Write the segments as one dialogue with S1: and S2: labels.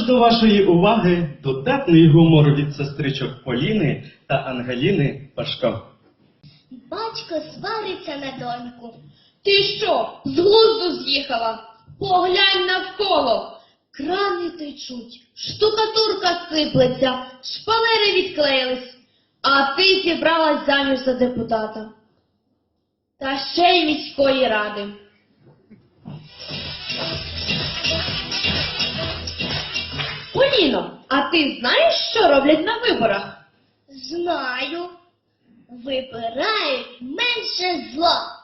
S1: Тож до вашої уваги дотепний гумор від сестричок Поліни та Ангеліни Пашко.
S2: Батько свариться на доньку.
S3: Ти що, з глузду з'їхала? Поглянь навколо. Крани течуть, штукатурка сиплеться, шпалери відклеїлись, а ти зібралась заміж за депутата. Та ще й міської ради. Поліно, а ти знаєш, що роблять на виборах?
S2: Знаю. Вибирають менше зла.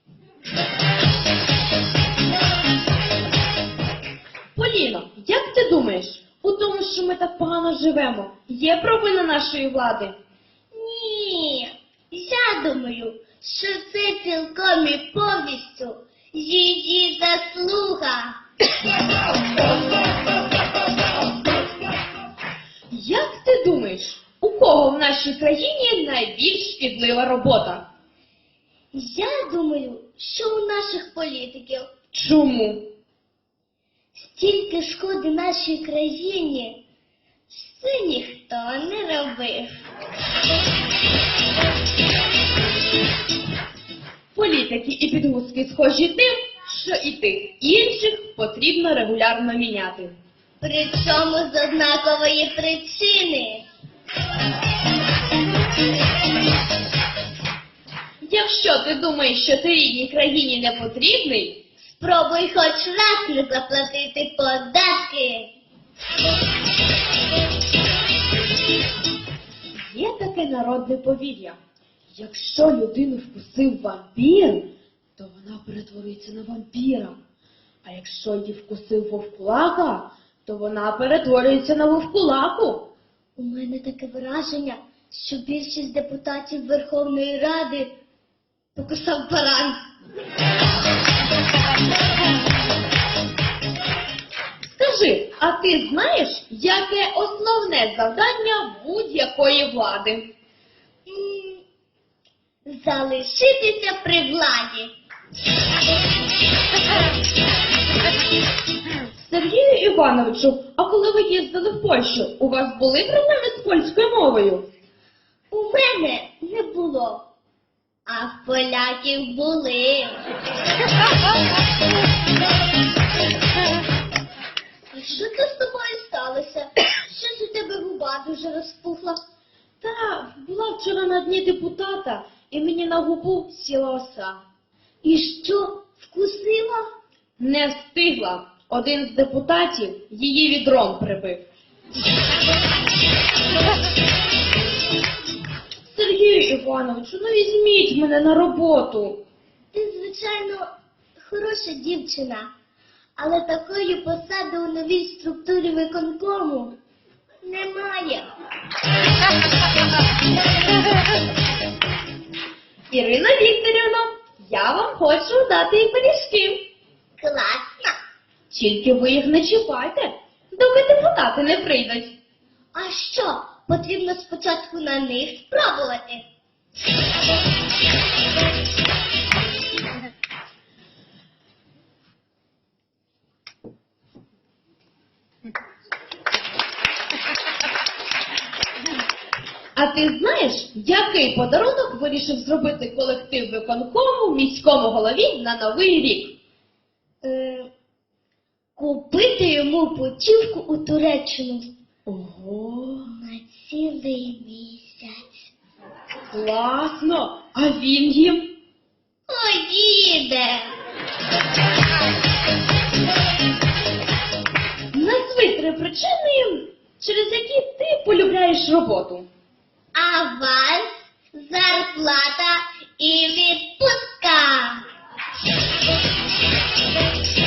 S3: Поліно, як ти думаєш, у тому, що ми так погано живемо, є провина нашої влади?
S2: Ні, я думаю, що це цілком і повністю її заслуга.
S3: Як ти думаєш, у кого в нашій країні найбільш шкідлива робота?
S2: Я думаю, що у наших політиків
S3: Чому?
S2: стільки шкоди нашій країні, що ніхто не робив.
S3: Політики і підгузки схожі тим, що і тих інших потрібно регулярно міняти.
S2: Причому з однакової причини.
S3: Якщо ти думаєш, що ти рідній країні не потрібний,
S2: Спробуй хоч раз не заплатити податки.
S3: є таке народне повір'я. Якщо людину вкусив вампір, то вона перетвориться на вампіра. А якщо її вкусив вовкулака, то вона перетворюється на вовкулаку.
S2: У мене таке враження, що більшість депутатів Верховної Ради покусав баран.
S3: Скажи, а ти знаєш, яке основне завдання будь-якої влади?
S2: Залишитися при владі.
S3: Сергію Івановичу, а коли ви їздили в Польщу, у вас були проблеми з польською мовою?
S2: У мене не було, а в поляків були. А що це з тобою сталося? Щось у тебе губа дуже розпухла.
S3: Та, була вчора на дні депутата, і мені на губу сіла оса.
S2: І що, вкусила?
S3: Не встигла. Один з депутатів її відром прибив. Сергію Івановичу, ну візьміть мене на роботу.
S2: Ти, звичайно, хороша дівчина, але такої посади у новій структурі виконкому немає.
S3: Ірина Вікторівна, я вам хочу дати і пиріжки.
S2: Класно.
S3: Тільки ви їх не чіпайте, доки депутати не прийдуть.
S2: А що, потрібно спочатку на них спробувати?
S3: А ти знаєш, який подарунок вирішив зробити колектив виконкому міському голові на Новий рік?
S2: Купити йому путівку у Туреччину
S3: Ого,
S2: на цілий місяць.
S3: класно! А він їм?
S2: О, діде!
S3: Назви 3 причини, через які ти полюбляєш роботу.
S2: Аванс, зарплата і відпустка.